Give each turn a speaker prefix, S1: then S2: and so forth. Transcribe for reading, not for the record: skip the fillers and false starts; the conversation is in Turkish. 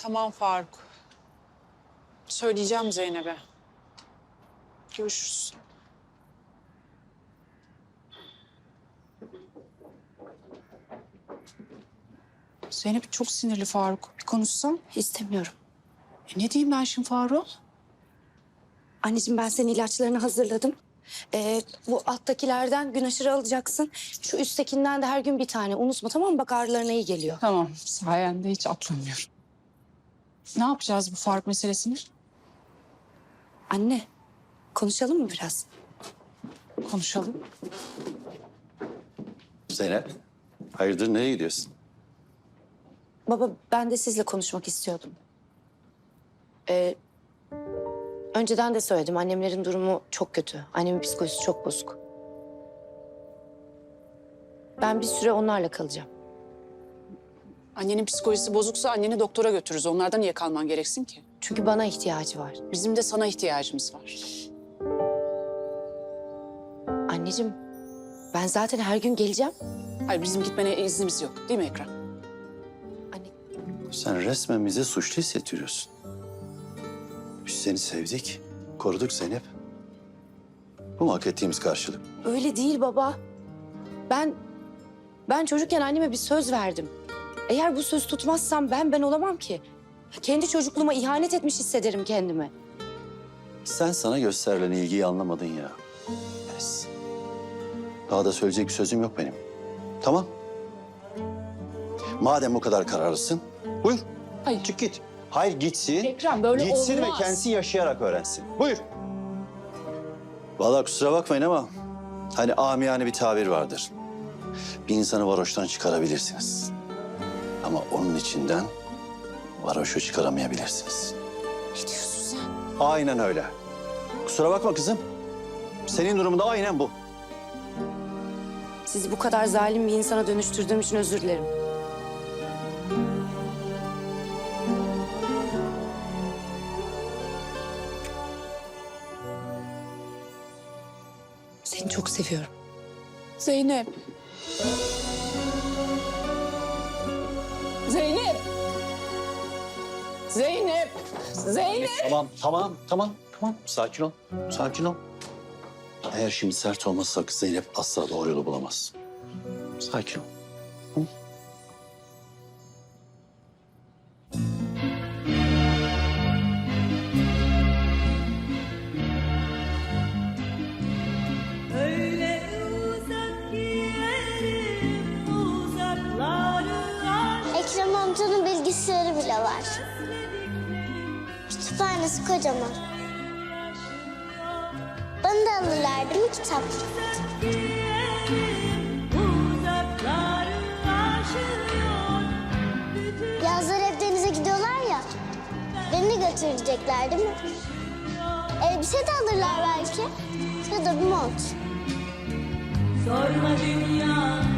S1: Tamam Faruk. Söyleyeceğim Zeynep'e. Görüşürüz. Zeynep çok sinirli Faruk. Bir konuşsam.
S2: İstemiyorum.
S1: Ne diyeyim ben şimdi Faruk?
S2: Anneciğim ben senin ilaçlarını hazırladım. Bu alttakilerden gün aşırı alacaksın. Şu üsttekinden de her gün bir tane. Unutma tamam mı? Bak ağrılarına iyi geliyor.
S1: Tamam, sayende hiç atlamıyorum. Ne yapacağız bu Faruk meselesini?
S2: Anne konuşalım mı biraz?
S1: Konuşalım.
S3: Zeynep, hayırdır nereye gidiyorsun?
S2: Baba ben de sizle konuşmak istiyordum. Önceden de söyledim annemlerin durumu çok kötü. Annemin psikolojisi çok bozuk. Ben bir süre onlarla kalacağım.
S1: Annenin psikolojisi bozuksa anneni doktora götürürüz. Onlardan niye kalman gereksin ki?
S2: Çünkü bana ihtiyacı var.
S1: Bizim de sana ihtiyacımız var.
S2: Anneciğim ben zaten her gün geleceğim.
S1: Hayır, bizim gitmene iznimiz yok. Değil mi Ekrem?
S2: Anne
S3: Sen resmen bize suçlu hissettiriyorsun. Biz seni sevdik, koruduk Zeynep. Bu mu hak ettiğimiz karşılık?
S2: öyle değil baba. Ben çocukken anneme bir söz verdim. Eğer bu söz tutmazsam ben olamam ki. Kendi çocukluğuma ihanet etmiş hissederim kendimi.
S3: Sen sana gösterilen ilgiyi anlamadın ya. Pes. Daha da söyleyecek bir sözüm yok benim. Tamam. Madem bu kadar kararlısın, buyur.
S1: Hayır.
S3: Çık git. Hayır gitsin.
S1: Ekrem böyle
S3: Gitsin
S1: olmaz.
S3: ve kendisi yaşayarak öğrensin. Buyur. Vallahi kusura bakmayın ama hani amiyane bir tabir vardır. Bir insanı varoştan çıkarabilirsiniz. Ama onun içinden varoşu çıkaramayabilirsiniz.
S1: Ne diyorsun sen?
S3: Aynen öyle. Kusura bakma kızım. Senin durumunda aynen bu.
S2: Sizi bu kadar zalim bir insana dönüştürdüğüm için özür dilerim. Seni çok seviyorum.
S1: Zeynep. Zeynep. Zeynep. Zeynep.
S3: Tamam. Sakin ol. Sakin ol. Eğer şimdi sert olmazsak Zeynep asla doğru yolu bulamaz. Sakin ol. Hı?
S4: Öyle uzak ki yerim uzakları
S5: Ekrem amcanın bilgisayarı bile var. Kütüphanesi kocaman. Bana da alırlar değil mi kitap?
S4: uzakları aşıyor.
S5: Yazlar hep denize gidiyorlar ya. Beni de götürecekler değil mi? Elbise de alırlar belki. Ya da bir mont.
S4: Sorma dünya